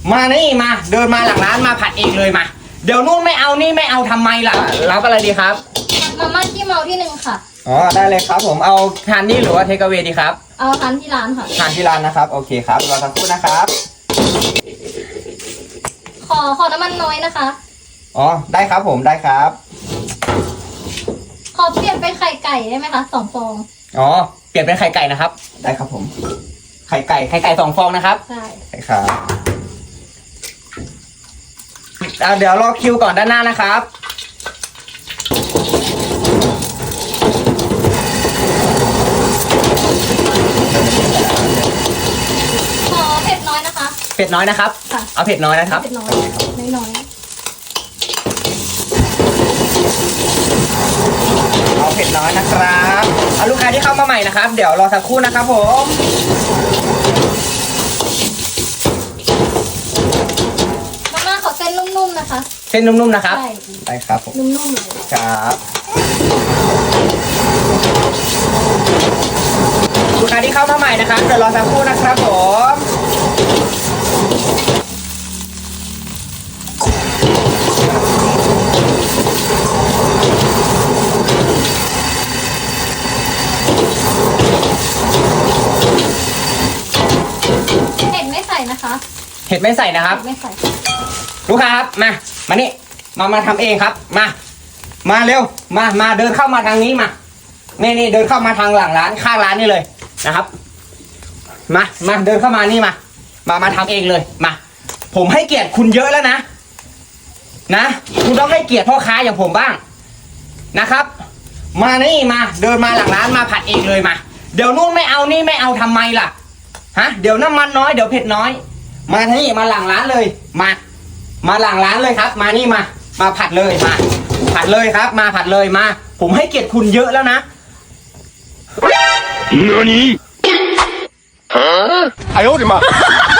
มานี่มาเดินมาหลังร้านมาผัดเองเลยมาเดี๋ยวนู่นไม่เอานี่ไม่เอาทำไมล่ะรับอะไรดีครับมาม่าขี้เมาที่หนึ่งค่ะอ๋อได้เลยครับผมเอาทานนี่หรือว่าเทคเอาเวดีครับเอาทานที่ร้านค่ะทานที่ร้านนะครับโอเคครับรอสักครู่นะครับขอน้ำมันน้อยนะคะอ๋อได้ครับผมได้ครับขอเปลี่ยนเป็นไข่ไก่ได้ไหมคะ2 ฟองอ๋อเปลี่ยนเป็นไข่ไก่นะครับได้ครับผมไข่ไก่2 ฟองนะครับใช่ครับเดี๋ยวรอคิวก่อนด้านหน้านะครับขอเผ็ดน้อยนะคะเผ็ดน้อยนะครับเอาเผ็ดน้อยนะครับเผ็ดน้อยน้อยเอาเผ็ดน้อยนะครับเอาลูกค้าที่เข้ามาใหม่นะครับเดี๋ยวรอสักครู่นะครับผมมาม่าขอเส้นนุ่มๆนะคะเส้นนุ่มๆนะครับใช่ได้ครับผมนุ่มๆเลยครับลูกค้าที่เข้ามาใหม่นะครับเดี๋ยวรอสักครู่นะครับผมเห็ดไม่ใส่นะคะเห็ดไม่ใส่นะครับไม่ใส่ลูกค้าครับมานี่มาทำเองครับมาเร็วมาเดินเข้ามาทางนี้มานี่เดินเข้ามาทางหลังร้านข้างร้านนี่เลยนะครับมาเดินเข้ามานี่มาทำเองเลยมาผมให้เกียรติคุณเยอะแล้วนะคุณต้องให้เกียรติพ่อค้าอย่างผมบ้างนะครับมานี่มาเดินมาหลังร้านมาผัดเองเลยมาเดี๋ยวนู่นไม่เอานี่ไม่เอาทำไมล่ะเดี๋ยวน้ำมันน้อยเดี๋ยวเผ็ดน้อยมาที่มาหลังร้านเลยมาหลังร้านเลยครับมานี่มาผัดเลยมาผัดเลยครับมาผัดเลยมาผมให้เกียรติคุณเยอะแล้วนะ何？啊！哎呦我的妈！